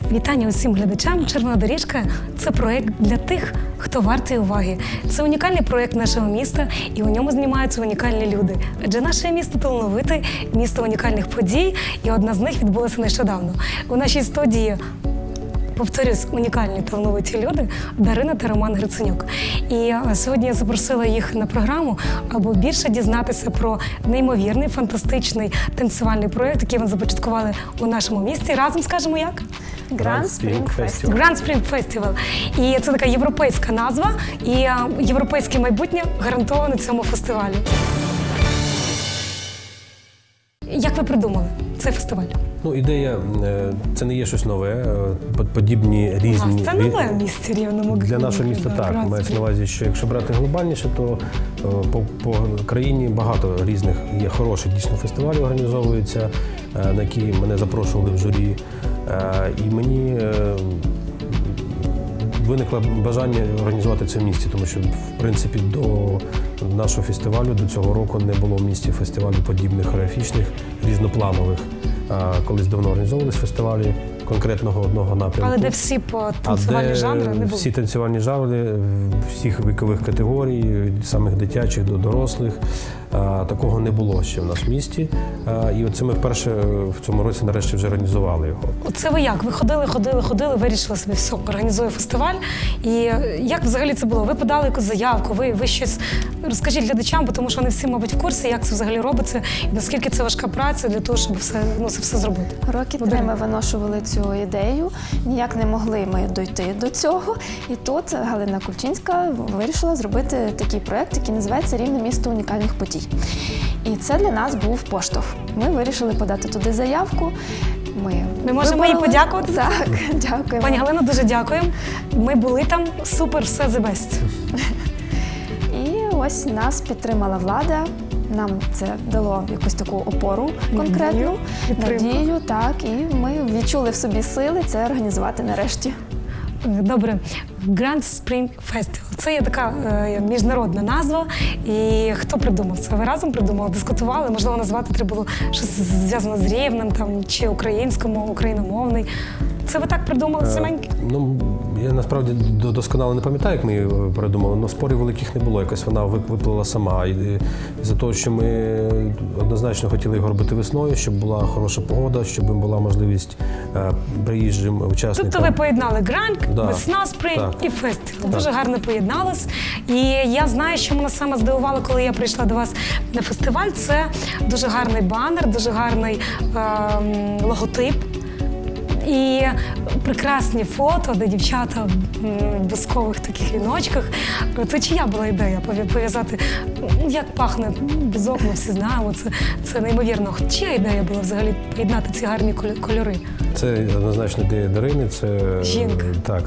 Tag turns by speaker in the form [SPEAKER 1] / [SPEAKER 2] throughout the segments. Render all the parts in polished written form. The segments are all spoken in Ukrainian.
[SPEAKER 1] Вітання усім глядачам. «Червона доріжка» – це проєкт для тих, хто вартий уваги. Це унікальний проєкт нашого міста, і у ньому знімаються унікальні люди. Адже наше місто талановите, місто унікальних подій, і одна з них відбулася нещодавно. У нашій студії, повторюсь, унікальні талановиті люди Дарина та Роман Гриценюк. І сьогодні я запросила їх на програму, аби більше дізнатися про неймовірний, фантастичний танцювальний проєкт, який вони започаткували у нашому місті. Разом скажемо як?
[SPEAKER 2] Grand Spring Festival.
[SPEAKER 1] Grand Spring Festival. І це така європейська назва, і європейське майбутнє гарантовано цьому фестивалю. Як ви придумали цей фестиваль?
[SPEAKER 2] Ну, ідея, це не є щось нове, подібні різні.
[SPEAKER 1] Це нове в місті Рівному.
[SPEAKER 2] Для нашого міста так. Мається на увазі, що якщо брати глобальніше, то по країні багато різних є хороших дійсно фестивалів організовуються, на які мене запрошували в журі. І мені виникло бажання організувати це в місті, тому що, в принципі, до нашого фестивалю, до цього року не було в місті фестивалів подібних хореографічних, різнопланових. Колись давно організовувалися фестивалі конкретного одного напрямку.
[SPEAKER 1] Але де всі танцювальні жанри не були?
[SPEAKER 2] Всі танцювальні жанри, всіх вікових категорій, від самих дитячих до дорослих. Такого не було ще в нас в місті. І оце ми вперше в цьому році нарешті вже організували його.
[SPEAKER 1] Оце ви як? Ви ходили, вирішили собі, все, організую фестиваль. І як взагалі це було? Ви подали якусь заявку, ви щось розкажіть глядачам, тому що вони всі, мабуть, в курсі, як це взагалі робиться, і наскільки це важка праця для того, щоб це все зробити.
[SPEAKER 3] Роки 3 ми виношували цю ідею, ніяк не могли ми дойти до цього. І тут Галина Кульчинська вирішила зробити такий проєкт, який називається «Рівне місто унікальних подій». І це для нас був поштовх. Ми вирішили подати туди заявку.
[SPEAKER 1] Ми можемо їй подякувати?
[SPEAKER 3] Так, дякуємо.
[SPEAKER 1] Пані Галино, дуже дякуємо. Ми були там, супер, все the best.
[SPEAKER 3] І ось нас підтримала влада. Нам це дало якусь таку опору конкретну, надію, так, і ми відчули в собі сили це організувати нарешті.
[SPEAKER 1] Добре. Grand Spring Festival. Це є така міжнародна назва. І хто придумав це? Ви разом придумали, дискутували? Можливо, назвати треба було щось зв'язане з Рівнем, чи україномовний. Це ви так придумали саменьки?
[SPEAKER 2] Ну, я насправді досконало не пам'ятаю, як ми її придумали, але спорів великих не було. Якось вона виплила сама. І за того, що ми однозначно хотіли його робити весною, щоб була хороша погода, щоб була можливість приїжджим учасникам.
[SPEAKER 1] Тобто ви поєднали гранк, весна, спринг і фестиваль. Дуже гарно поєдналось. І я знаю, що мене саме здивувало, коли я прийшла до вас на фестиваль. Це дуже гарний банер, дуже гарний логотип. І прекрасні фото, де дівчата в бузкових таких віночках. Це чия була ідея пов'язати? Як пахне бузок, ми всі знаємо. Це неймовірно. Чия ідея була взагалі поєднати ці гарні кольори?
[SPEAKER 2] Це однозначно ідея Дарини. Це
[SPEAKER 1] жінка.
[SPEAKER 2] Так.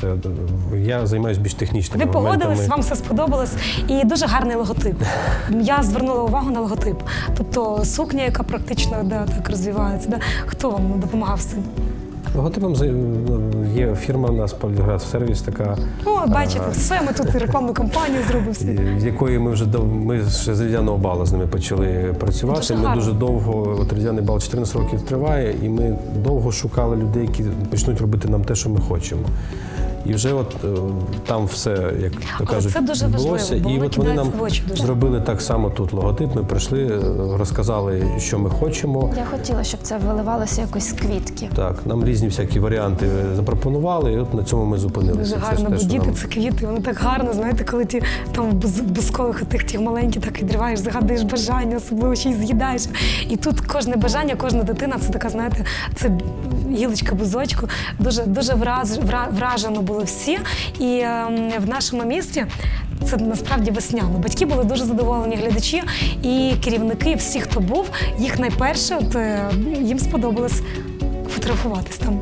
[SPEAKER 2] Я займаюся більш технічними моментами.
[SPEAKER 1] Ви погодились, вам все сподобалось. І дуже гарний логотип. Я звернула увагу на логотип. Тобто сукня, яка практично так розвивається. Хто вам допомагав з цим?
[SPEAKER 2] Логотипом є фірма у нас «Поліграф-сервіс» така.
[SPEAKER 1] О, бачите, все, ми тут рекламну кампанію зробили.
[SPEAKER 2] З якої ми ще з Різдвяного балу з ними почали працювати. Ми дуже довго, Різдвяний бал 14 років триває, і ми довго шукали людей, які почнуть робити нам те, що ми хочемо. І вже там все, як то кажуть, відбулося. І от вони нам зробили так само тут логотип. Ми прийшли, розказали, що ми хочемо.
[SPEAKER 3] Я хотіла, щоб це виливалося якось з квітки.
[SPEAKER 2] Так, нам різні всякі варіанти запропонували, і от на цьому ми зупинилися.
[SPEAKER 1] Дуже гарно, бо діти – це квіти, вони так гарно, знаєте, коли ти там в бузкових тих маленьких так відриваєш, загадуєш бажання, особливо ще й з'їдаєш. І тут кожне бажання, кожна дитина – це така, знаєте, це гілочка бузочку. Дуже вражено були всі. І в нашому місті це насправді весняно. Батьки були дуже задоволені, глядачі і керівники, всі, хто був, їх найперше, їм сподобалось фотографуватись там.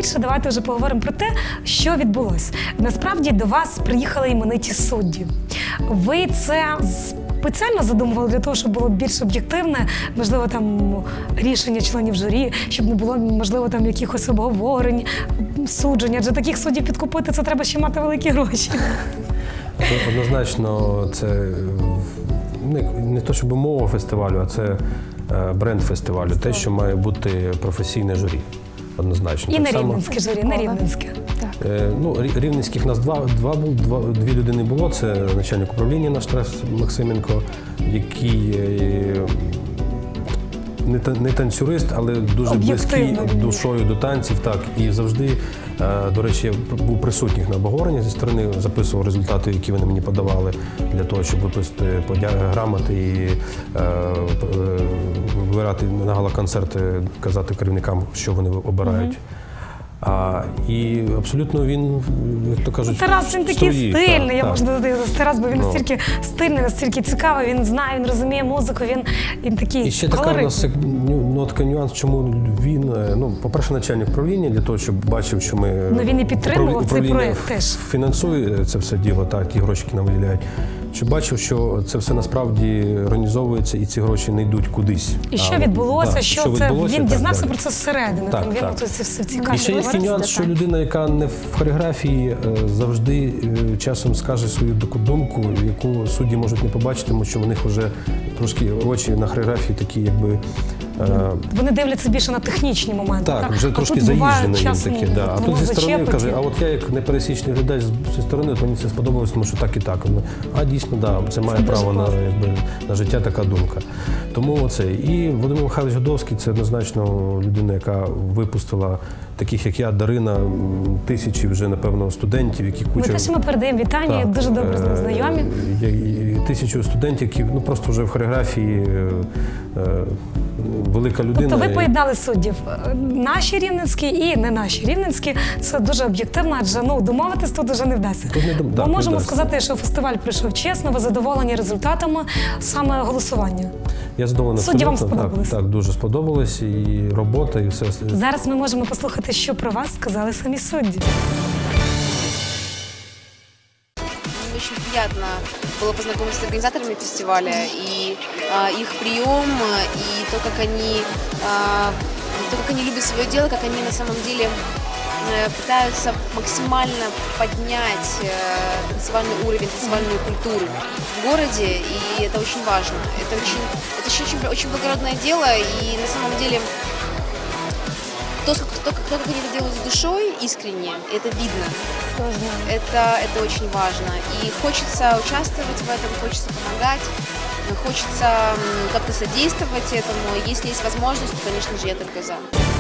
[SPEAKER 1] більше, давайте вже поговоримо про те, що відбулося. Насправді до вас приїхали імениті судді. Ви це спеціально задумували для того, щоб було більш об'єктивне, можливо, там рішення членів журі, щоб не було, можливо, там якихось обговорень, суджень. Адже таких суддів підкупити, це треба ще мати великі гроші.
[SPEAKER 2] Однозначно, це не то, щоб мова фестивалю, а це бренд фестивалю. Те, що має бути професійне журі. Однозначно.
[SPEAKER 1] І
[SPEAKER 2] Так
[SPEAKER 1] не
[SPEAKER 2] само-
[SPEAKER 1] рівненське журі, не рівненське.
[SPEAKER 3] Так.
[SPEAKER 2] Рівненських нас дві людини було. Це начальник управління наш Тарас Максименко, який не танцюрист, але дуже близький
[SPEAKER 1] Об'єктивно.
[SPEAKER 2] душою до танців. Так, і завжди, до речі, я був присутніх на обговоренні зі сторони, записував результати, які вони мені подавали для того, щоб виписати грамоти і вибирати на гала-концерти, казати керівникам, що вони обирають. І абсолютно він, як то кажуть,
[SPEAKER 1] Тарас, він такий
[SPEAKER 2] стоїть,
[SPEAKER 1] стильний,
[SPEAKER 2] так,
[SPEAKER 1] я
[SPEAKER 2] так.
[SPEAKER 1] можу додати Тарас, бо він
[SPEAKER 2] Ну.
[SPEAKER 1] настільки стильний, настільки цікавий, він знає, він розуміє музику, він такий
[SPEAKER 2] І ще така у
[SPEAKER 1] колоритний.
[SPEAKER 2] нас нотка нюанс, чому він, по-перше, начальник управління, для того, щоб бачив, що ми
[SPEAKER 1] він і підтримував цей
[SPEAKER 2] управління
[SPEAKER 1] проект теж.
[SPEAKER 2] фінансує це все діло, так, ті гроші, які нам виділяють. Щоб бачив, що це все насправді організовується і ці гроші не йдуть кудись.
[SPEAKER 1] І що відбулося,
[SPEAKER 2] да,
[SPEAKER 1] що це
[SPEAKER 2] відбулося,
[SPEAKER 1] він
[SPEAKER 2] так,
[SPEAKER 1] дізнався
[SPEAKER 2] далі.
[SPEAKER 1] про це зсередини.
[SPEAKER 2] Так,
[SPEAKER 1] Там він
[SPEAKER 2] так.
[SPEAKER 1] це все
[SPEAKER 2] І
[SPEAKER 1] цікаві.
[SPEAKER 2] ще є такий нюанс, що людина, яка не в хореографії, завжди часом скаже свою таку думку, яку судді можуть не побачити, тому що в них вже трошки очі на хореографії такі, якби.
[SPEAKER 1] Вони дивляться більше на технічні моменти.
[SPEAKER 2] Так, вже
[SPEAKER 1] А
[SPEAKER 2] трошки
[SPEAKER 1] тут буває
[SPEAKER 2] заїжджено їм
[SPEAKER 1] часом
[SPEAKER 2] таке. Да. А
[SPEAKER 1] воно
[SPEAKER 2] тут зі сторони
[SPEAKER 1] зачепить.
[SPEAKER 2] каже, а от я як непересічний глядач зі сторони, от мені це сподобалось, тому що так і так. А дійсно, да, це має
[SPEAKER 1] дуже
[SPEAKER 2] право на,
[SPEAKER 1] класно.
[SPEAKER 2] на життя така думка. Тому оце. І Володимир Михайлович Годовський – це однозначно людина, яка випустила таких, як я, Дарина, тисячі вже, напевно, студентів, які
[SPEAKER 1] Ми
[SPEAKER 2] куча...
[SPEAKER 1] теж йому передаємо вітання,
[SPEAKER 2] Так,
[SPEAKER 1] дуже добре з ним знайомі.
[SPEAKER 2] і тисячу студентів, які просто вже в хореографії велика людина.
[SPEAKER 1] Тобто ви поєднали суддів. Наші рівненські і не наші рівненські. Це дуже об'єктивно, адже домовитись тут вже не вдасться.
[SPEAKER 2] Тут не
[SPEAKER 1] Ми можемо
[SPEAKER 2] вдасться.
[SPEAKER 1] сказати, що фестиваль пройшов чесно, ви задоволені результатами саме голосування.
[SPEAKER 2] Я задоволений
[SPEAKER 1] Судді вам
[SPEAKER 2] абсолютно.
[SPEAKER 1] сподобалось?
[SPEAKER 2] Так, дуже сподобалось. І робота, і все.
[SPEAKER 1] Зараз ми можемо послухати, що про вас сказали самі судді.
[SPEAKER 4] Очень приятно было познакомиться с организаторами фестиваля, и их прием, и то, как они любят свое дело, как они на самом деле пытаются максимально поднять танцевальный уровень, танцевальную культуру в городе, и это очень важно. Это очень благородное дело, и на самом деле то, как они это делают с душой, искренне, это видно. Это очень важно. И хочется участвовать в этом, хочется помогать, хочется как-то содействовать этому. Если есть возможность, то, конечно же, я только за.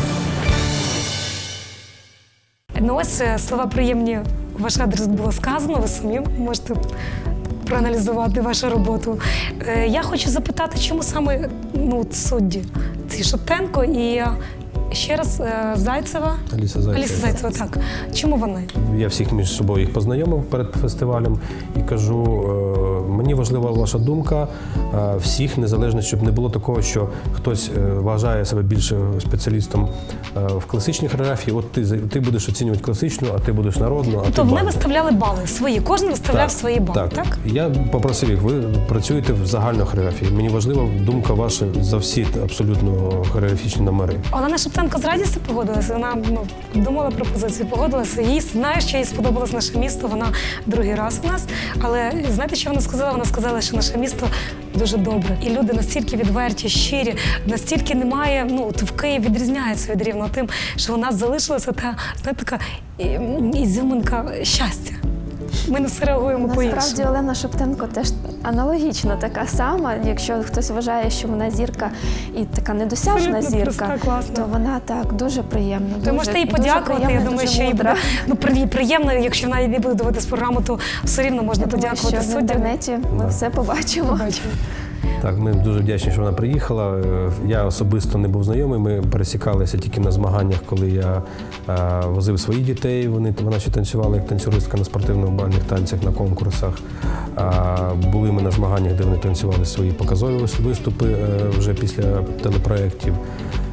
[SPEAKER 1] Ну ось слова приємні у ваш адрес було сказано, ви самі можете проаналізувати вашу роботу. Я хочу запитати, чому саме судді? Ці Шептенко і ще раз Зайцева.
[SPEAKER 2] Аліса Зайцева.
[SPEAKER 1] Аліса Зайцева, так. Чому вони?
[SPEAKER 2] Я всіх між собою їх познайомив перед фестивалем і кажу, мені важлива ваша думка всіх, незалежно, щоб не було такого, що хтось вважає себе більше спеціалістом в класичній хореографії, от ти будеш оцінювати класичну, а ти будеш народну, а ти
[SPEAKER 1] То вони
[SPEAKER 2] бальну.
[SPEAKER 1] виставляли бали свої, кожен виставляв
[SPEAKER 2] Так,
[SPEAKER 1] свої бали, так?
[SPEAKER 2] Я попросив їх, ви працюєте в загальній хореографії. Мені важлива думка ваша за всі абсолютно хореографічні номери.
[SPEAKER 1] Олена Шептенко з радістю погодилася, вона думала пропозицію, погодилася. Їй знає, що їй сподобалось наше місто, вона другий раз у нас. Але знаєте, що вона сказала? Вона сказала, що наше місто дуже добре. І люди настільки відверті, щирі, настільки немає, от в Києві відрізняється від Рівного тим, що у нас залишилася та, знаєте, така ізюминка щастя. Ми на все реагуємо по-іншому.
[SPEAKER 3] Насправді Олена Шептенко теж аналогічно така сама. Якщо хтось вважає, що вона зірка і така недосяжна
[SPEAKER 1] Абсолютно
[SPEAKER 3] зірка,
[SPEAKER 1] проста, класна.
[SPEAKER 3] то вона так дуже приємна.
[SPEAKER 1] Ви можете їй подякувати, я думаю, що їй буде приємно, якщо вона не буде дивитись програму, то все рівно можна подякувати
[SPEAKER 3] що в
[SPEAKER 1] суддям.
[SPEAKER 3] інтернеті ми все побачимо.
[SPEAKER 1] Побачимо.
[SPEAKER 2] Так, ми дуже вдячні, що вона приїхала. Я особисто не був знайомий, ми пересікалися тільки на змаганнях, коли я возив своїх дітей. Вона ще танцювала як танцюристка на спортивно-бальних танцях, на конкурсах. Були ми на змаганнях, де вони танцювали свої показові виступи вже після телепроєктів.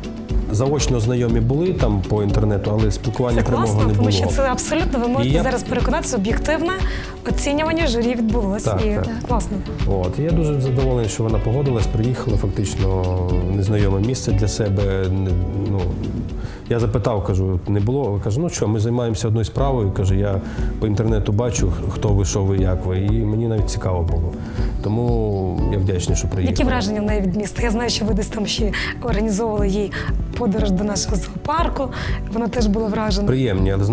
[SPEAKER 2] заочно знайомі були там по інтернету, але спілкування
[SPEAKER 1] Це
[SPEAKER 2] прямого
[SPEAKER 1] класно,
[SPEAKER 2] не
[SPEAKER 1] тому
[SPEAKER 2] було.
[SPEAKER 1] що це абсолютно, ви можете
[SPEAKER 2] я-
[SPEAKER 1] зараз переконатися, об'єктивне оцінювання журі відбулося.
[SPEAKER 2] Так,
[SPEAKER 1] І
[SPEAKER 2] так.
[SPEAKER 1] класно.
[SPEAKER 2] От. І я дуже задоволений, що вона погодилась, приїхала фактично в незнайоме місце для себе. Ну, я запитав, кажу, не було? Каже, ну що, ми займаємося одною справою. Каже, я по інтернету бачу, хто ви, що ви, як ви. І мені навіть цікаво було. Тому я вдячний, що приїхала.
[SPEAKER 1] Які враження в неї від міста? Я знаю, що ви десь там ще організовували їй подорож до нашого зоопарку. Вона теж була вражена.
[SPEAKER 2] Приємні, але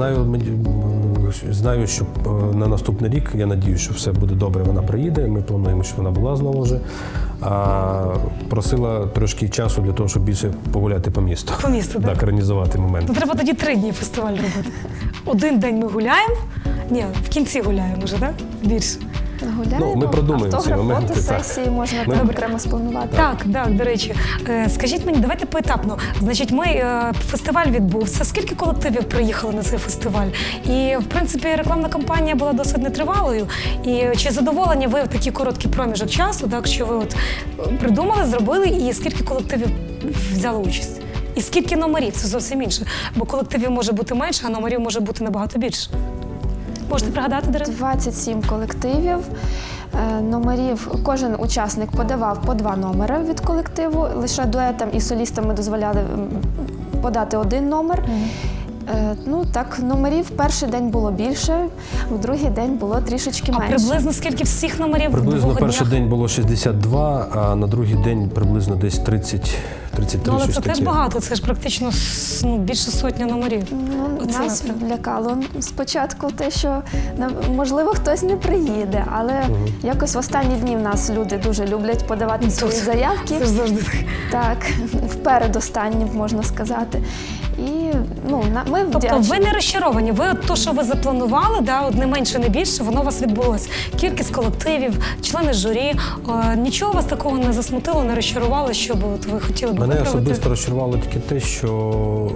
[SPEAKER 2] знаю, що на наступний рік, я надію, що все буде добре, вона приїде. Ми плануємо, що вона була знову вже. А просила трошки часу для того, щоб більше погуляти по місту.
[SPEAKER 1] По місту, так?
[SPEAKER 2] Так, організувати момент.
[SPEAKER 1] Ну, треба тоді 3 дні фестиваль робити. Один день ми гуляємо. Ні, в кінці гуляємо вже, так? Більше.
[SPEAKER 3] Гуляємо,
[SPEAKER 2] Ну, ми продумаємо ці
[SPEAKER 3] автограф,
[SPEAKER 2] моменти,
[SPEAKER 3] фотосесії можна
[SPEAKER 2] Ми-
[SPEAKER 3] там окремо спланувати.
[SPEAKER 1] Так, до речі. Скажіть мені, давайте поетапно. Значить, фестиваль відбувся. Скільки колективів приїхали на цей фестиваль? І, в принципі, рекламна кампанія була досить нетривалою. І чи задоволені ви в такий короткий проміжок часу, так, що ви от придумали, зробили, і скільки колективів взяли участь? І скільки номерів? Це зовсім інше. Бо колективів може бути менше, а номерів може бути набагато більше. Можете пригадати, Дарина?
[SPEAKER 3] 27 колективів. Номерів, кожен учасник подавав по 2 номери від колективу. Лише дуетам і солістам ми дозволяли подати 1 номер. Ну так, номерів перший день було більше, в другий день було трішечки
[SPEAKER 1] А
[SPEAKER 3] менше.
[SPEAKER 1] приблизно скільки всіх номерів в
[SPEAKER 2] Приблизно
[SPEAKER 1] 2
[SPEAKER 2] перший
[SPEAKER 1] днях?
[SPEAKER 2] день було 62, а на другий день приблизно десь 33,
[SPEAKER 1] Ну, але
[SPEAKER 2] щось
[SPEAKER 1] це теж
[SPEAKER 2] таке.
[SPEAKER 1] багато, це ж практично більше сотні номерів.
[SPEAKER 3] Ну,
[SPEAKER 1] Оце
[SPEAKER 3] нас
[SPEAKER 1] напевно.
[SPEAKER 3] лякало спочатку те, що можливо хтось не приїде, але якось в останні дні в нас люди дуже люблять подавати свої заявки.
[SPEAKER 1] Це ж завжди так.
[SPEAKER 3] Так, впередостанні, можна сказати. І ну, ми
[SPEAKER 1] Тобто
[SPEAKER 3] вдячні.
[SPEAKER 1] ви не розчаровані, ви от то, що ви запланували, от не менше, не більше, воно у вас відбулося. Кількість колективів, члени журі, нічого вас такого не засмутило, не розчарувало, щоб от ви хотіли б
[SPEAKER 2] Мене
[SPEAKER 1] виправити?
[SPEAKER 2] особисто розчарувало тільки те, що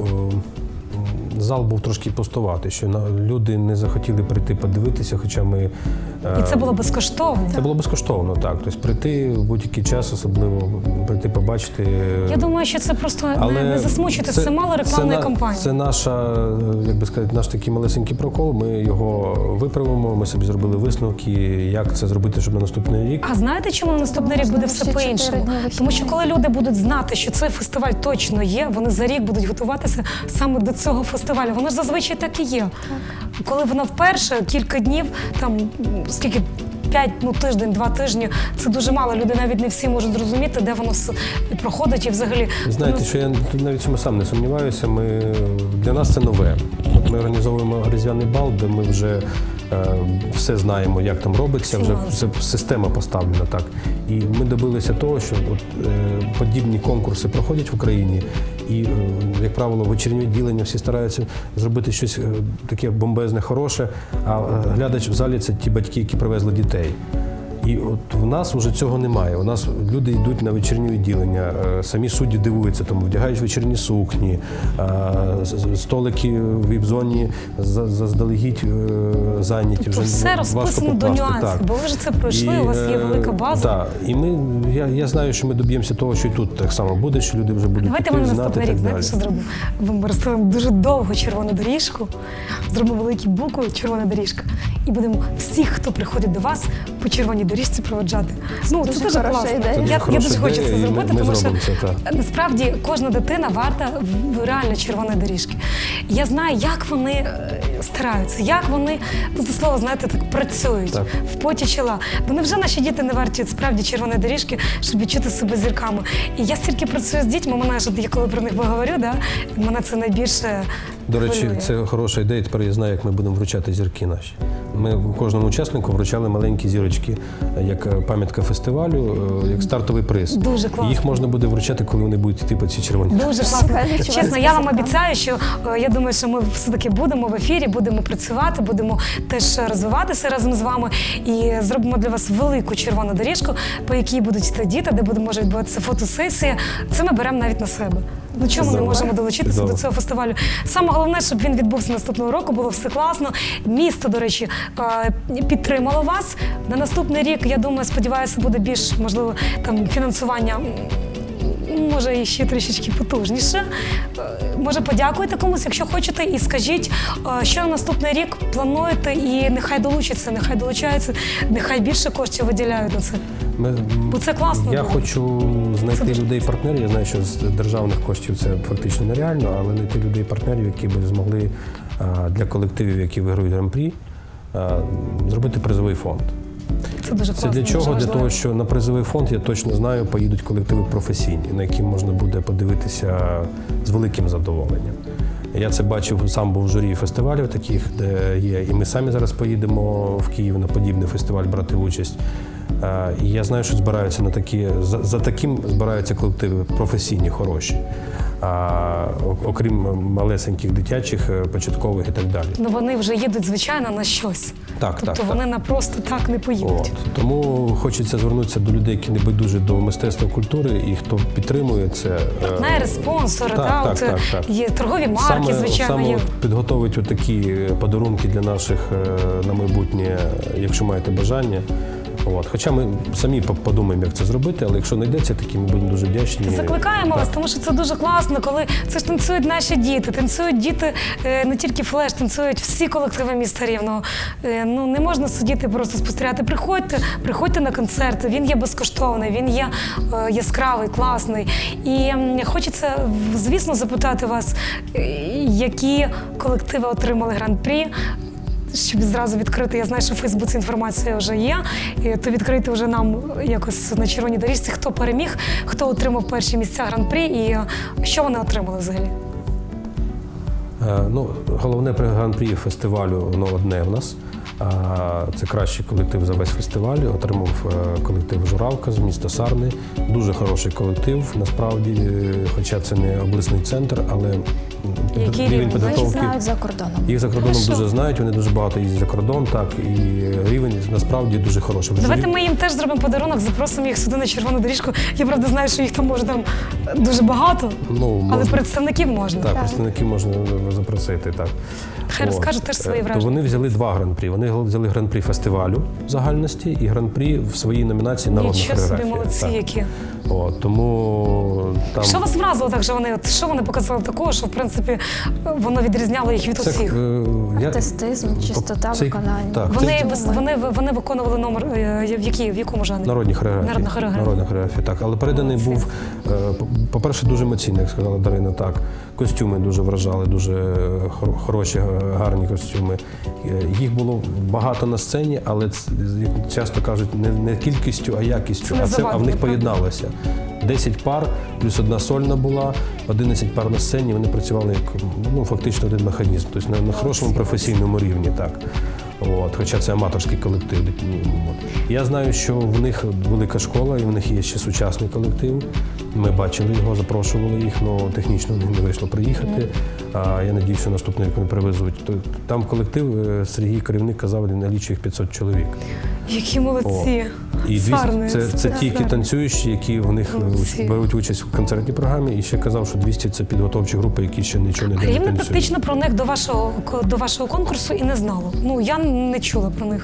[SPEAKER 2] зал був трошки пустуватий, що люди не захотіли прийти подивитися, хоча ми...
[SPEAKER 1] І це було безкоштовно.
[SPEAKER 2] Це було безкоштовно, так. Тобто прийти в будь-який час, особливо прийти побачити.
[SPEAKER 1] Я думаю, що це просто не засмучуйте, це мало рекламної кампанії.
[SPEAKER 2] Це наша, як би сказати, наш такий малесенький прокол. Ми його виправимо, ми собі зробили висновки, як це зробити, щоб на наступний рік.
[SPEAKER 1] А знаєте, чому на наступний рік буде все
[SPEAKER 3] ще 4
[SPEAKER 1] по-іншому?
[SPEAKER 3] дні вихідних.
[SPEAKER 1] Тому що коли люди будуть знати, що цей фестиваль точно є, вони за рік будуть готуватися саме до цього фестивалю. Воно ж зазвичай так і є. Коли воно вперше, кілька днів, там скільки 5, тиждень, 2 тижні, це дуже мало. Люди навіть не всі можуть зрозуміти, де воно все проходить і взагалі.
[SPEAKER 2] Знаєте, що я навіть в цьому сам не сумніваюся. Для нас це нове. От ми організовуємо різдвяний бал, де ми вже все знаємо, як там робиться, вже система поставлена так. І ми добилися того, що подібні конкурси проходять в Україні, і, як правило, вечірнє відділення всі стараються зробити щось таке бомбезне, хороше, а глядач в залі – це ті батьки, які привезли дітей. І от в нас вже цього немає. У нас люди йдуть на вечірнє відділення, самі судді дивуються, тому вдягають вечірні сукні, столики в віп-зоні заздалегідь зайняті.
[SPEAKER 1] Тобто
[SPEAKER 2] Вже
[SPEAKER 1] все
[SPEAKER 2] важко
[SPEAKER 1] розписано до
[SPEAKER 2] попасти,
[SPEAKER 1] нюансів,
[SPEAKER 2] так.
[SPEAKER 1] бо ви вже це пройшли, у вас є велика база.
[SPEAKER 2] Так, і я знаю, що ми доб'ємося того, що і тут так само буде, що люди вже будуть
[SPEAKER 1] Давайте ми на
[SPEAKER 2] знати
[SPEAKER 1] наступний
[SPEAKER 2] і
[SPEAKER 1] рік,
[SPEAKER 2] так
[SPEAKER 1] знаєте,
[SPEAKER 2] далі.
[SPEAKER 1] що зробимо? Ми розставимо дуже довгу червону доріжку, зробимо великі букви «Червона доріжка» і будемо всіх, хто приходить до вас, по червоній доріжці проводжати. Ну, це
[SPEAKER 3] дуже
[SPEAKER 1] дуже
[SPEAKER 3] хороша
[SPEAKER 1] класно.
[SPEAKER 3] ідея. Це
[SPEAKER 1] Я
[SPEAKER 2] хороша
[SPEAKER 1] дуже хочу
[SPEAKER 2] ідея,
[SPEAKER 1] це
[SPEAKER 2] і
[SPEAKER 1] зробити,
[SPEAKER 2] ми
[SPEAKER 1] тому що
[SPEAKER 2] зробимо це, так.
[SPEAKER 1] насправді кожна дитина варта реально червоної доріжки. Я знаю, як вони стараються, як вони, за слово, знаєте, так працюють
[SPEAKER 2] Так.
[SPEAKER 1] в поті чола. Бо невже наші діти не варті справді червоної доріжки, щоб відчути себе зірками? І я стільки працюю з дітьми, я коли про них говорю, мене це найбільше
[SPEAKER 2] До речі,
[SPEAKER 1] хвилює.
[SPEAKER 2] це хороша ідея. Тепер я знаю, як ми будемо вручати зірки наші. Ми кожному учаснику вручали маленькі зірочки, як пам'ятка фестивалю, як стартовий приз.
[SPEAKER 1] Дуже класно.
[SPEAKER 2] І їх можна буде вручати, коли вони будуть йти по цій червоній.
[SPEAKER 1] Дуже класно.
[SPEAKER 3] Супер.
[SPEAKER 1] Чесно, я вам обіцяю, що я думаю, що ми все-таки будемо в ефірі, будемо працювати, будемо теж розвиватися разом з вами і зробимо для вас велику червону доріжку, по якій будуть йти діти, де може відбуватися фотосесія. Це ми беремо навіть на себе. Ну чому ми не
[SPEAKER 2] Чудово.
[SPEAKER 1] можемо долучитися
[SPEAKER 2] Чудово.
[SPEAKER 1] до цього фестивалю? Саме головне, щоб він відбувся наступного року, було все класно. Місто, до речі, підтримало вас. На наступний рік, я думаю, сподіваюся, буде більш, можливо, там фінансування може і ще трішечки потужніше. Може, подякуйте комусь, якщо хочете, і скажіть, що на наступний рік плануєте, і нехай долучаються, нехай більше коштів виділяють на це. Бо це класно.
[SPEAKER 2] Я
[SPEAKER 1] було.
[SPEAKER 2] хочу знайти
[SPEAKER 1] дуже-
[SPEAKER 2] людей-партнерів. Я знаю, що з державних коштів це фактично нереально, але знайти людей-партнерів, які б змогли для колективів, які виграють гран-прі, зробити призовий фонд.
[SPEAKER 1] Це дуже
[SPEAKER 2] Це
[SPEAKER 1] класно.
[SPEAKER 2] для чого?
[SPEAKER 1] дуже
[SPEAKER 2] Для
[SPEAKER 1] важливо.
[SPEAKER 2] того, що на призовий фонд, я точно знаю, поїдуть колективи професійні, на які можна буде подивитися з великим задоволенням. Я це бачив, сам був в журі фестивалів таких, де є, і ми самі зараз поїдемо в Київ на подібний фестиваль брати участь. І я знаю, що збираються на такі, за таким збираються колективи професійні, хороші. Окрім малесеньких дитячих, початкових і так далі.
[SPEAKER 1] Ну вони вже їдуть, звичайно, на щось.
[SPEAKER 2] Так,
[SPEAKER 1] Тобто
[SPEAKER 2] так,
[SPEAKER 1] вони
[SPEAKER 2] так.
[SPEAKER 1] на просто так не поїдуть.
[SPEAKER 2] От. Тому хочеться звернутися до людей, які не байдужі до мистецтва культури, і хто підтримує це.
[SPEAKER 1] Партнери, спонсори,
[SPEAKER 2] Так, так.
[SPEAKER 1] є торгові марки, звичайно,
[SPEAKER 2] саме
[SPEAKER 1] є.
[SPEAKER 2] підготовить отакі подарунки для наших на майбутнє, якщо маєте бажання. От. Хоча ми самі подумаємо, як це зробити, але якщо знайдеться такі, ми будемо дуже вдячні.
[SPEAKER 1] Закликаємо вас,
[SPEAKER 2] Так.
[SPEAKER 1] тому що це дуже класно, коли це ж танцюють наші діти. Танцюють діти не тільки флеш, танцюють всі колективи міста Рівного. Ну не можна сидіти просто спостерігати. Приходьте на концерт. Він є безкоштовний, він є яскравий, класний. І хочеться, звісно, запитати вас, які колективи отримали гран-прі. Щоб зразу відкрити, я знаю, що в Фейсбуці інформація вже є, то відкрити вже нам якось на червоній доріжці, хто переміг, хто отримав перші місця гран-прі і що вони отримали взагалі.
[SPEAKER 2] Ну, головне гран-прі фестивалю, воно одне в нас. Це кращий колектив за весь фестиваль. Отримав колектив «Журавка» з міста Сарни. Дуже хороший колектив, насправді, хоча це не обласний центр, але
[SPEAKER 1] Який
[SPEAKER 2] рівень
[SPEAKER 1] рівень?
[SPEAKER 3] Їх
[SPEAKER 2] підготовки.
[SPEAKER 3] знають за кордоном.
[SPEAKER 2] Їх за кордоном
[SPEAKER 1] Хорошо.
[SPEAKER 2] дуже знають, вони дуже багато їздять за кордон, так, і рівень насправді дуже хороший.
[SPEAKER 1] Давайте ми їм теж зробимо подарунок, запросимо їх сюди на червону доріжку. Я, правда, знаю, що їх там може там дуже багато,
[SPEAKER 2] Ну,
[SPEAKER 1] але
[SPEAKER 2] можна.
[SPEAKER 1] представників можна.
[SPEAKER 2] Так, представників можна запросити, так.
[SPEAKER 1] Хай розкажуть теж свої
[SPEAKER 2] То
[SPEAKER 1] враження.
[SPEAKER 2] вони взяли два гран-прі. Вони взяли гран-прі фестивалю загальності і гран-прі в своїй номінації «Народна
[SPEAKER 1] Нічого собі,
[SPEAKER 2] хореографія».
[SPEAKER 1] молодці
[SPEAKER 2] Так.
[SPEAKER 1] які.
[SPEAKER 2] От, тому там...
[SPEAKER 1] Що вас вразило так, що що вони показали такого, що, в принципі, воно відрізняло їх від усіх?
[SPEAKER 3] Артистизм, чистота виконання.
[SPEAKER 2] Так,
[SPEAKER 1] Вони виконували номер, в якому жанрі?
[SPEAKER 2] Народні хореографії.
[SPEAKER 1] Народна хореографія.
[SPEAKER 2] Народна хореографія, так. Але переданий
[SPEAKER 1] Молодці.
[SPEAKER 2] був, по-перше, дуже емоційний, як сказала Дарина, так. Костюми дуже вражали, дуже хороші, гарні костюми. Їх було багато на сцені, але як часто кажуть, не кількістю, а якістю.
[SPEAKER 1] Це не
[SPEAKER 2] А в
[SPEAKER 1] завадило,
[SPEAKER 2] них
[SPEAKER 1] правда?
[SPEAKER 2] поєдналося. 10 пар, плюс одна сольна була, 11 пар на сцені, вони працювали як фактично один механізм, тобто на хорошому професійному рівні. Так. От, хоча це аматорський колектив. От. Я знаю, що в них велика школа, і в них є ще сучасний колектив. Ми бачили його, запрошували їх, але технічно не вийшло приїхати. А я надію, що наступний рік вони привезуть. Там колектив, Сергій, керівник, казав, він налічує їх 500 чоловік.
[SPEAKER 1] Які молодці.
[SPEAKER 2] І 200
[SPEAKER 1] Сарни,
[SPEAKER 2] це ті, які танцюючі, які в них
[SPEAKER 1] Молодці.
[SPEAKER 2] беруть участь в концертній програмі. І ще казав, що 200 – це підготовчі групи, які ще нічого не
[SPEAKER 1] Рівне
[SPEAKER 2] танцюють.
[SPEAKER 1] практично про них до вашого конкурсу і не знало. Ну, я не чула про них.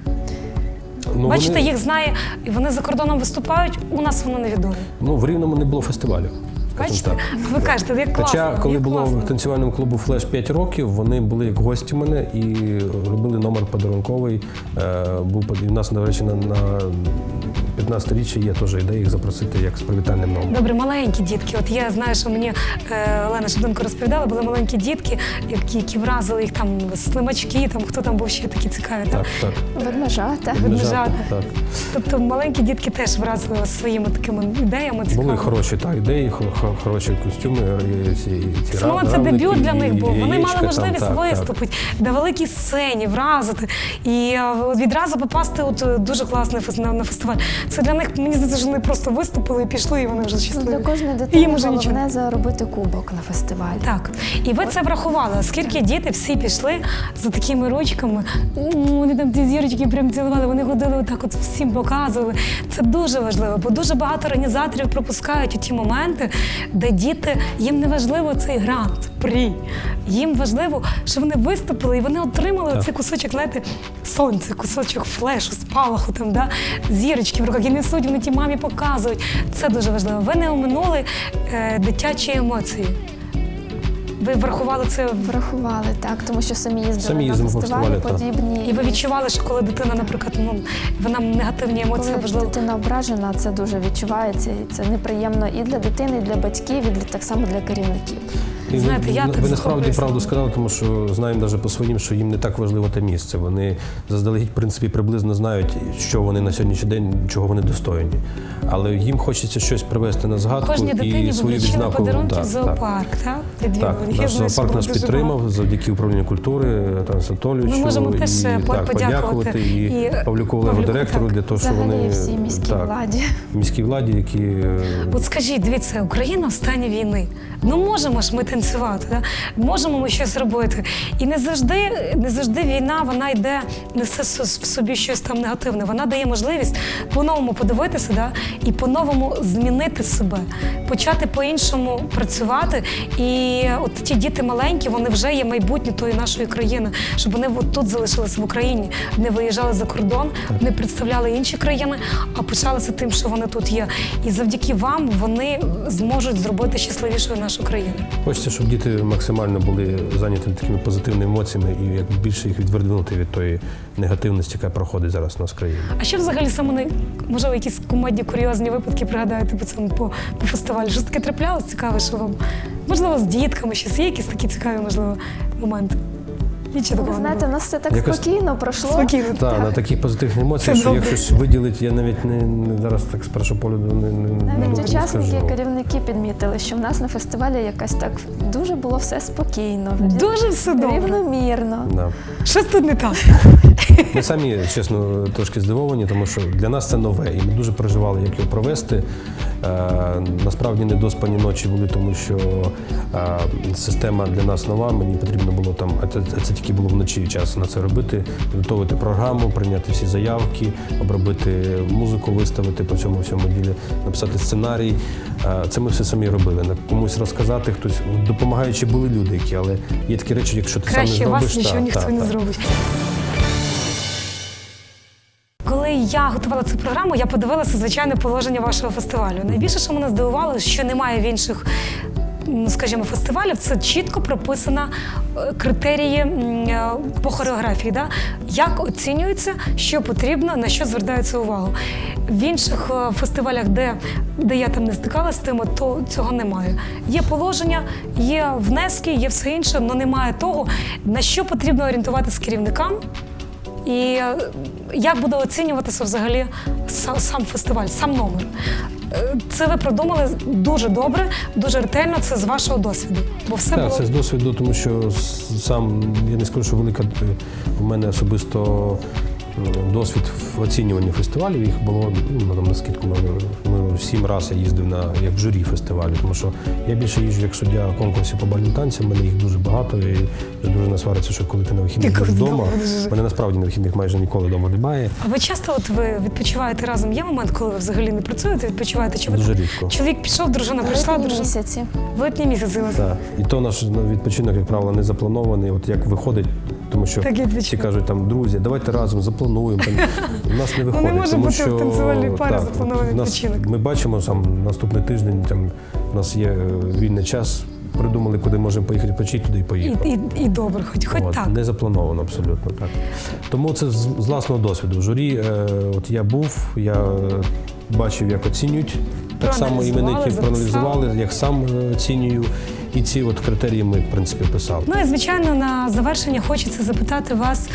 [SPEAKER 2] Ну,
[SPEAKER 1] Бачите,
[SPEAKER 2] вони-
[SPEAKER 1] їх знає, і вони за кордоном виступають, у нас воно невідомо.
[SPEAKER 2] в Рівному не було фестивалю. скажімо
[SPEAKER 1] Бачите?
[SPEAKER 2] так.
[SPEAKER 1] Ви кажете, як класно.
[SPEAKER 2] Хоча, коли
[SPEAKER 1] як
[SPEAKER 2] було
[SPEAKER 1] класно.
[SPEAKER 2] в танцювальному клубу «Флеш» 5 років, вони були як гості мене і робили номер подарунковий. І в нас, до речі, на 15-річчя є теж ідея їх запросити як з привітальним номером.
[SPEAKER 1] Добре, маленькі дітки. От я знаю, що мені Олена Шевденко розповідала, були маленькі дітки, які вразили їх там слимачки, там хто там був ще такі цікаві.
[SPEAKER 2] Так, так.
[SPEAKER 3] Ведмежата.
[SPEAKER 1] Ведмежата.
[SPEAKER 2] Так.
[SPEAKER 1] Тобто маленькі дітки теж вразили вас своїми такими ідеями. Цікавими.
[SPEAKER 2] Були хороші ідеї, хороші костюми. Ці
[SPEAKER 1] Саме це
[SPEAKER 2] равники,
[SPEAKER 1] дебют для них був.
[SPEAKER 2] і
[SPEAKER 1] Вони
[SPEAKER 2] яєчка
[SPEAKER 1] мали можливість
[SPEAKER 2] там, так,
[SPEAKER 1] виступити на великій сцені, вразити і відразу попасти дуже класно на фестиваль. Це для них, мені здається, що вони просто виступили і пішли, і вони вже щасливі.
[SPEAKER 3] Для кожної
[SPEAKER 1] І
[SPEAKER 3] дитини
[SPEAKER 1] їм уже нічого.
[SPEAKER 3] головне заробити кубок на фестивалі.
[SPEAKER 1] Так, і ви це врахували, оскільки діти всі пішли за такими ручками, вони там ці зірочки прям цілували, вони ходили отак от всім показували. Це дуже важливо, бо дуже багато організаторів пропускають у ті моменти, де діти, їм не важливо цей грант. Прапрі. Їм важливо, що вони виступили і вони отримали цей кусочок, знаєте, сонця, кусочок флешу, спалаху, там, да? Зірочки в руках, і несуть, вони ті мамі показують. Це дуже важливо. Ви не оминули дитячі емоції. Ви врахували це?
[SPEAKER 3] Врахували, так, тому що самі їздили на
[SPEAKER 2] їздимо по
[SPEAKER 3] фестивалі
[SPEAKER 2] фестивалю,
[SPEAKER 3] подібні.
[SPEAKER 1] І ви відчували, що коли дитина, наприклад, вона негативні емоції,
[SPEAKER 3] Коли
[SPEAKER 1] важливо.
[SPEAKER 3] дитина ображена, це дуже відчувається, і це неприємно і для дитини, і для батьків, і так само для керівників.
[SPEAKER 2] І
[SPEAKER 1] Знаєте, я так
[SPEAKER 2] ви насправді
[SPEAKER 1] захоплююся.
[SPEAKER 2] правду сказали, тому що знаємо навіть по своїм, що їм не так важливо те місце. Вони заздалегідь, в принципі, приблизно знають, що вони на сьогоднішній день, чого вони достойні. Але їм хочеться щось привести на згадку
[SPEAKER 1] Кожній дитині
[SPEAKER 2] і свою
[SPEAKER 1] вручили
[SPEAKER 2] відзнаку.
[SPEAKER 1] подарунки в
[SPEAKER 2] Так.
[SPEAKER 1] зоопарк, так? Відвідувані.
[SPEAKER 2] Так,
[SPEAKER 1] Я
[SPEAKER 2] наш
[SPEAKER 1] знаю, що
[SPEAKER 2] зоопарк
[SPEAKER 1] було
[SPEAKER 2] нас
[SPEAKER 1] дуже
[SPEAKER 2] підтримав
[SPEAKER 1] багато.
[SPEAKER 2] завдяки управлінню культури Тарасу Анатолійовичу.
[SPEAKER 1] Ми можемо теж
[SPEAKER 2] так,
[SPEAKER 1] подякувати
[SPEAKER 2] і Павлюку Олегу,
[SPEAKER 1] Павлюку,
[SPEAKER 2] директору,
[SPEAKER 1] так.
[SPEAKER 2] для того, що
[SPEAKER 3] Взагалі
[SPEAKER 2] вони
[SPEAKER 3] всій міській владі.
[SPEAKER 2] міській владі, які
[SPEAKER 1] От скажіть, дивіться, Україна в стані війни. Ну можемо ж ми танцювати, да? Можемо ми щось робити. І не завжди війна, вона йде, несе в собі щось там негативне. Вона дає можливість по-новому подивитися, да? І по-новому змінити себе, почати по-іншому працювати. І от ті діти маленькі, вони вже є майбутнє тої нашої країни, щоб вони от тут залишилися в Україні, не виїжджали за кордон, не представляли інші країни, а пишалися тим, що вони тут є. І завдяки вам вони зможуть зробити щасливішою нашу країну.
[SPEAKER 2] хочеться, щоб діти максимально були зайняті такими позитивними емоціями і як більше їх відвернути від тої негативності, яка проходить зараз у нас в країні.
[SPEAKER 1] А що взагалі саме, можливо, якісь кумедні, курйозні випадки пригадаєте по фестивалю? Щось таке траплялось цікаве, що вам? Можливо, з дітками щось є якісь такі цікаві, можливо, моменти? Нічого
[SPEAKER 3] Ви
[SPEAKER 1] такого не
[SPEAKER 3] знаєте, у
[SPEAKER 1] було?
[SPEAKER 3] нас все так
[SPEAKER 2] Якось
[SPEAKER 3] спокійно пройшло.
[SPEAKER 1] Спокійно.
[SPEAKER 2] Так, на такі позитивні емоції,
[SPEAKER 1] Це
[SPEAKER 2] що
[SPEAKER 1] добре.
[SPEAKER 2] як щось виділить, я навіть не зараз так з першого погляду
[SPEAKER 3] Навіть
[SPEAKER 2] не
[SPEAKER 3] учасники,
[SPEAKER 2] скажу.
[SPEAKER 3] керівники підмітили, що в нас на фестивалі якось так дуже було все спокійно,
[SPEAKER 1] Дуже все добре.
[SPEAKER 3] рівномірно.
[SPEAKER 2] Да.
[SPEAKER 1] Щось тут не так.
[SPEAKER 2] Ми самі, чесно, трошки здивовані, тому що для нас це нове, і ми дуже переживали, як його провести. Насправді недоспані ночі були, тому що система для нас нова, мені потрібно було там, це тільки було вночі час на це робити, підготовити програму, прийняти всі заявки, обробити музику, виставити по цьому всьому ділі, написати сценарій. Це ми все самі робили. Комусь розказати, хтось, допомагаючи були люди, які, але є такі речі, якщо ти
[SPEAKER 1] Краще
[SPEAKER 2] сам не
[SPEAKER 1] вас
[SPEAKER 2] зробиш,
[SPEAKER 1] нічого ніхто не зробить. Коли я готувала цю програму, я подивилася звичайне положення вашого фестивалю. Найбільше, що мене здивувало, що немає в інших, скажімо, фестивалів, це чітко прописано критерії по хореографії. Да? Як оцінюється, що потрібно, на що звертається увагу. В інших фестивалях, де я там не стикалася з тим, то цього немає. Є положення, є внески, є все інше, але немає того, на що потрібно орієнтуватися керівникам. І як буде оцінюватися взагалі сам фестиваль, сам номер. Це ви продумали дуже добре, дуже ретельно, це з вашого досвіду. Бо все
[SPEAKER 2] Так,
[SPEAKER 1] було...
[SPEAKER 2] це з досвіду, тому що сам, я не скажу, що велика в мене особисто досвід в оцінюванні фестивалів. Їх було, на скидку, 7 разів я їздив як в журі фестивалю, тому що я більше їжджу як суддя конкурсів по бальним танцям, в мене їх дуже багато, і дуже насвариться, що коли ти на вихідних
[SPEAKER 1] Коли
[SPEAKER 2] вдома,
[SPEAKER 1] вдома дуже.
[SPEAKER 2] мене насправді на вихідних майже ніколи вдома немає.
[SPEAKER 1] А ви часто ви відпочиваєте разом? Є момент, коли ви взагалі не працюєте, відпочиваєте? Чи ви...
[SPEAKER 2] Дуже рідко.
[SPEAKER 1] Чоловік пішов, дружина прийшла,
[SPEAKER 3] Літні
[SPEAKER 1] дружина...
[SPEAKER 3] місяці.
[SPEAKER 1] В літні місяці.
[SPEAKER 2] Так. І то наш відпочинок, як правило, не запланований. От як виходить, тому що
[SPEAKER 1] Так і відпочинок.
[SPEAKER 2] всі кажуть, там, друзі, давайте разом заплануємо. Там, у нас не виходить.
[SPEAKER 1] не може
[SPEAKER 2] тому
[SPEAKER 1] бути
[SPEAKER 2] що,
[SPEAKER 1] в танцювальній парі
[SPEAKER 2] так,
[SPEAKER 1] запланований
[SPEAKER 2] у нас,
[SPEAKER 1] відпочинок.
[SPEAKER 2] Ми бачимо, наступний тиждень, у нас є вільний час, придумали, куди можемо поїхати відпочити, туди і поїхали.
[SPEAKER 1] І добре, хоч так.
[SPEAKER 2] Не заплановано абсолютно так. Тому це з власного досвіду. В журі от я був, я бачив, як оцінюють. Так само іменники проаналізували, як сам оцінюю. І ці от критерії ми, в принципі, писали.
[SPEAKER 1] Ну і, звичайно, на завершення хочеться запитати вас,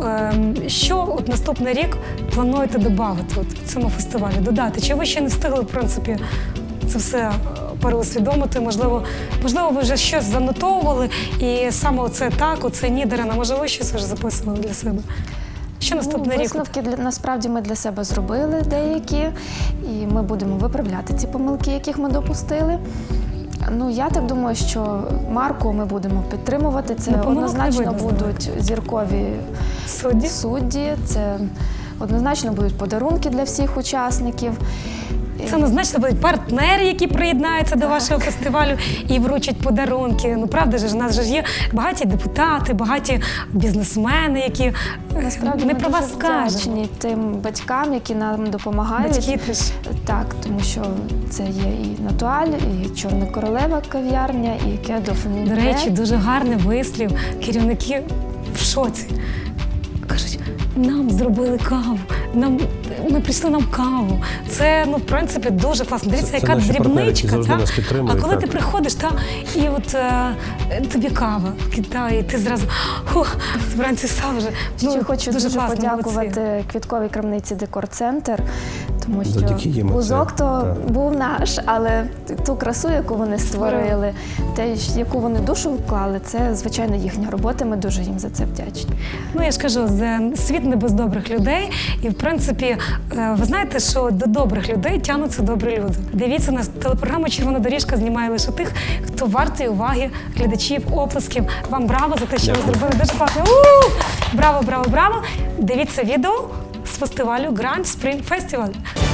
[SPEAKER 1] що от наступний рік плануєте додати в цьому фестивалі, додати? Чи ви ще не встигли, в принципі, це все переусвідомити? Можливо, ви вже щось занотовували, і саме оце так, оце ні, Дарина, може, ви щось вже записували для себе? Що наступний рік?
[SPEAKER 3] Висновки насправді ми для себе зробили деякі, і ми будемо виправляти ці помилки, яких ми допустили. Я так думаю, що марку ми будемо підтримувати. Це однозначно будуть зіркові судді, це однозначно будуть подарунки для всіх учасників.
[SPEAKER 1] Це однозначно будуть партнери, які приєднаються до вашого фестивалю і вручать подарунки. Ну правда ж, у нас же ж є багаті депутати, багаті бізнесмени, які
[SPEAKER 3] Насправді
[SPEAKER 1] не
[SPEAKER 3] ми
[SPEAKER 1] про
[SPEAKER 3] дуже
[SPEAKER 1] вас скажуть.
[SPEAKER 3] вдячні тим батькам, які нам допомагають.
[SPEAKER 1] Батьки теж.
[SPEAKER 3] Так, тому що це є і Натуаль, і Чорна королева кав'ярня, і Кедо
[SPEAKER 1] До речі, дуже гарний вислів. Керівники в шоці. Кажуть, нам зробили каву, ми прийшли нам каву. Це, в принципі, дуже класно. Дивіться,
[SPEAKER 2] Це
[SPEAKER 1] яка
[SPEAKER 2] наші партнери, які
[SPEAKER 1] дрібничка.
[SPEAKER 2] завжди
[SPEAKER 1] Та?
[SPEAKER 2] нас підтримують,
[SPEAKER 1] А коли
[SPEAKER 2] так.
[SPEAKER 1] ти приходиш, і от тобі кава, і ти зразу вранці став вже.
[SPEAKER 3] Ще хочу дуже
[SPEAKER 1] класно,
[SPEAKER 3] подякувати
[SPEAKER 1] молодці.
[SPEAKER 3] квітковій крамниці «Декор-центр», тому що
[SPEAKER 2] Завдяки їм оце,
[SPEAKER 3] вузок то
[SPEAKER 2] так.
[SPEAKER 3] був наш, але ту красу, яку вони створили, яку вони душу вклали, це, звичайно, їхня робота. Ми дуже їм за це вдячні.
[SPEAKER 1] Ну, я ж кажу, світ не без добрих людей. І, в принципі, ви знаєте, що до добрих людей тягнуться добрі люди. Дивіться, нас телепрограма «Червона доріжка» знімає лише тих, хто вартий уваги глядачів, оплесків. Вам браво за те, що ви зробили дуже класно. Браво, браво, браво! Дивіться відео з фестивалю Grand Spring Festival.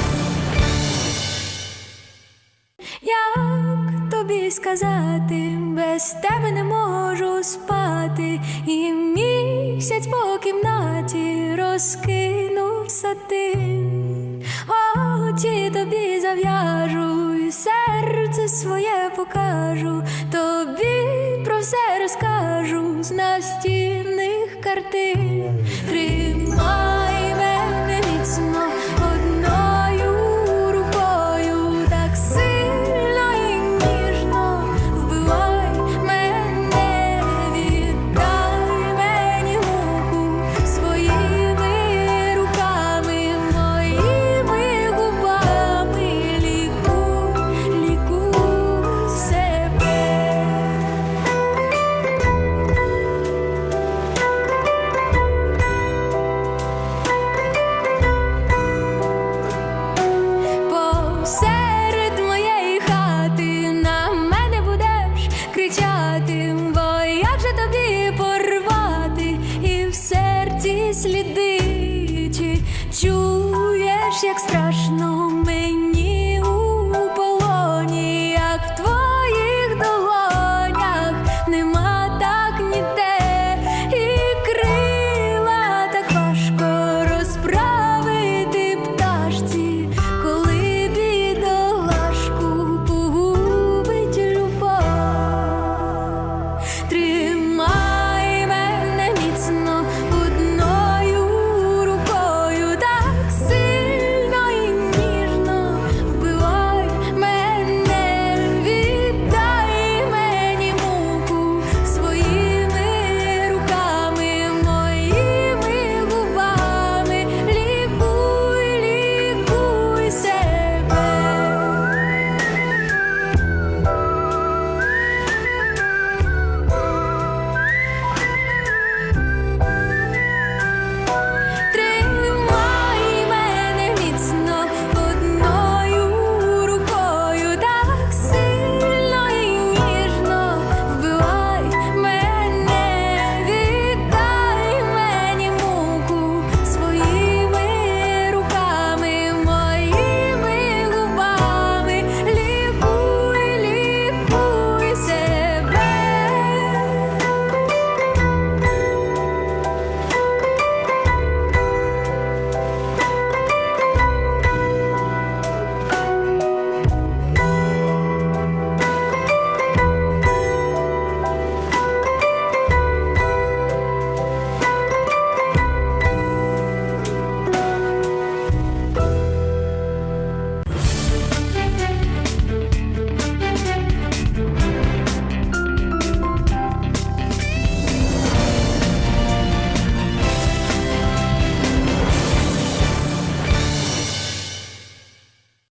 [SPEAKER 5] Як тобі сказати, без тебе не можу спати, і місяць по кімнаті розкинув сатин. Очі тобі зав'яжу, і серце своє покажу, тобі про все розкажу з настінних картин. Тримай мене міцно одною рукою, так сильно і ніжно вбивай мене, віддай мені муку своїми руками, моїми губами, лікуй себе. Посеред моєї хати на мене будеш кричати, бо як же тобі порвати і в серці сліди, чи чуєш, як страшно